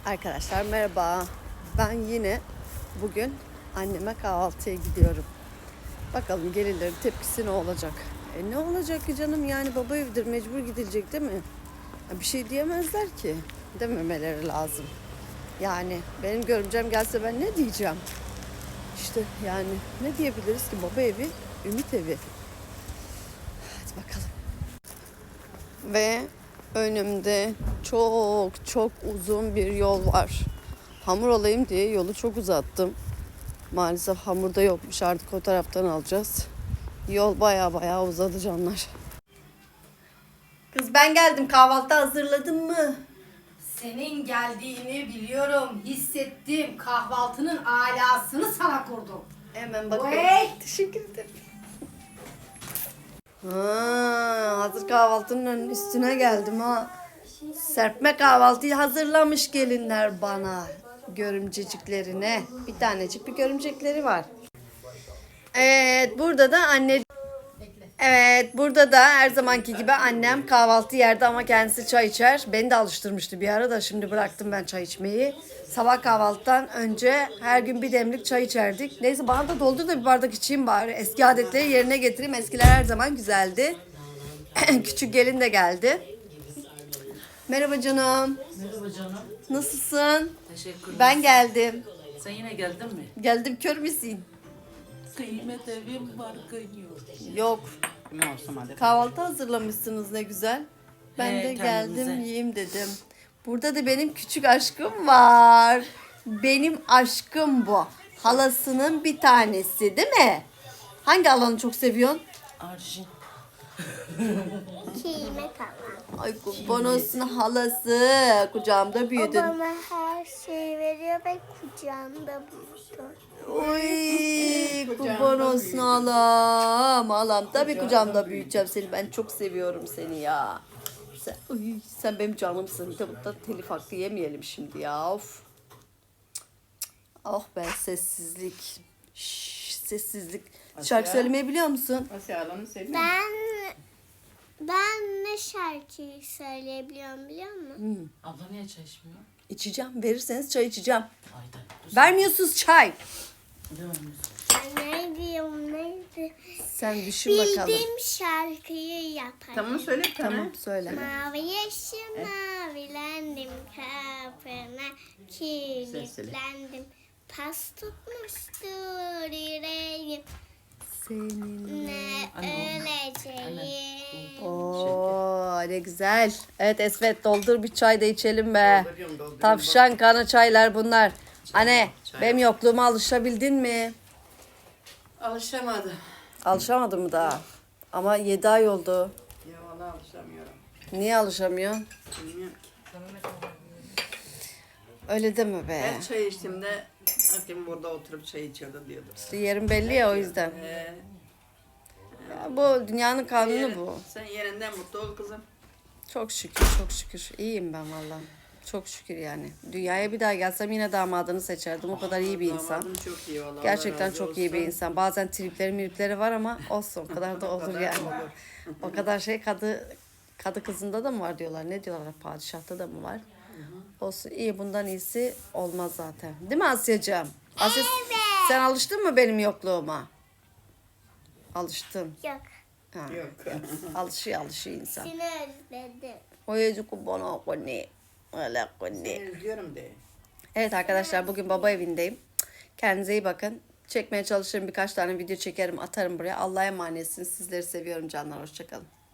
Arkadaşlar merhaba. Ben yine bugün anneme kahvaltıya gidiyorum. Bakalım gelirlerin tepkisi ne olacak? Ne olacak ki canım, yani baba evidir, mecbur gidilecek değil mi? Bir şey diyemezler ki. Dememeleri lazım. Yani benim görümcem gelse ben ne diyeceğim? İşte yani ne diyebiliriz ki, baba evi, ümit evi. Hadi bakalım. Ve önümde çok uzun bir yol var. Hamur alayım diye yolu çok uzattım. Maalesef hamurda yokmuş, artık o taraftan alacağız. Yol baya uzadı canlar. Kız ben geldim, kahvaltı hazırladın mı? Senin geldiğini biliyorum, hissettim. Kahvaltının alasını sana kurdum. Hemen bakayım. Vay! Teşekkür ederim. Hazır kahvaltının üstüne geldim ha. Serpme kahvaltıyı hazırlamış gelinler bana. Görümceciklerine. Bir tanecik bir görümcekleri var. Evet, burada da anne... Evet, burada da her zamanki gibi annem kahvaltı yerde ama kendisi çay içer. Beni de alıştırmıştı bir ara da, şimdi bıraktım ben çay içmeyi. Sabah kahvaltıdan önce her gün bir demlik çay içerdik. Neyse, bana da doldur da bir bardak içeyim bari. Eski adetleri yerine getireyim. Eskiler her zaman güzeldi. Küçük gelin de geldi. Merhaba canım. Merhaba canım. Nasılsın? Teşekkürler. Ben geldim. Sen yine geldin mi? Geldim, kör müsün? Kıymet evim var kıyıyor. Yok. Ne olsun hadi. Kahvaltı hazırlamışsınız, ne güzel. Ben de geldim, kendimize. yiyeyim dedim. Burada da benim küçük aşkım var. Benim aşkım bu. Halasının bir tanesi değil mi? Hangi halanı çok seviyorsun? Arjin. Kime kalan. Ay kurban olsun halası. Kucağımda büyüdün. O bana her şeyi veriyor ve kucağımda büyüdü. Oy kurban olsun halam. Halam tabii kucağımda büyüteceğim seni. Ben çok seviyorum seni ya. Sen benim canımsın. Bir de burada telif hakkı yemeyelim şimdi ya. Of. Oh be, sessizlik. Şşş, sessizlik. Şarkı söylemeyi biliyor musun? Asya alanı seviyor. Ben ne şarkıyı söyleyebiliyorum biliyor musun? Abla niye çay içmiyor? İçeceğim. Verirseniz çay içeceğim. Ayda. Vermiyorsunuz çay. Neydi? Sen düşün bakalım. Bildiğim şarkıyı yaparım. Tamam söyle bir tane. Tamam, söyle. Mavi yeşil mavilendim kapına kilitlendim. Pas tutmuştur yüreğim Senin. ne öleceğim. Oo, ne güzel. Evet Esvet, doldur bir çay da içelim be. Dolduruyorum. Tavşan kanı çaylar bunlar. Anne, çay. benim yokluğuma alışabildin mi? Alışamadı. Alışamadın mı daha? Ama 7 ay oldu. Ya valla alışamıyorum. Niye alışamıyorsun? Bilmiyorum ki. Öyle deme be. Her çay içtiğimde hakim burada oturup çay içiyordu diyordu. İşte yerin belli ya, o yüzden. Ya bu dünyanın kanunu bu. Sen yerinden mutlu ol kızım. Çok şükür, çok şükür. İyiyim ben valla. Çok şükür yani. Dünyaya bir daha gelsem yine damadını seçerdim. O kadar iyi bir insan. Damadım çok iyi valla. Gerçekten Allah razı çok iyi bir olsun. insan. Bazen tripleri var ama olsun. O kadar da olur kadar yani. olur. O kadar şey kadı kızında da mı var diyorlar. Ne diyorlar? Padişahta da mı var? Olsun, iyi, bundan iyisi olmaz zaten. Değil mi Asya'cığım? Asya, sen alıştın mı benim yokluğuma? Alıştın. Yok. Ha. Yok. Alışıyor insan. Seni özledim. Oyucu bana koni. Öyle koni. Seni üzüyorum de. Evet arkadaşlar, bugün baba evindeyim. Kendinize iyi bakın. Çekmeye çalışırım, birkaç tane video çekerim, atarım buraya. Allah'a emanetsiniz. Sizleri seviyorum canlar. Hoşçakalın.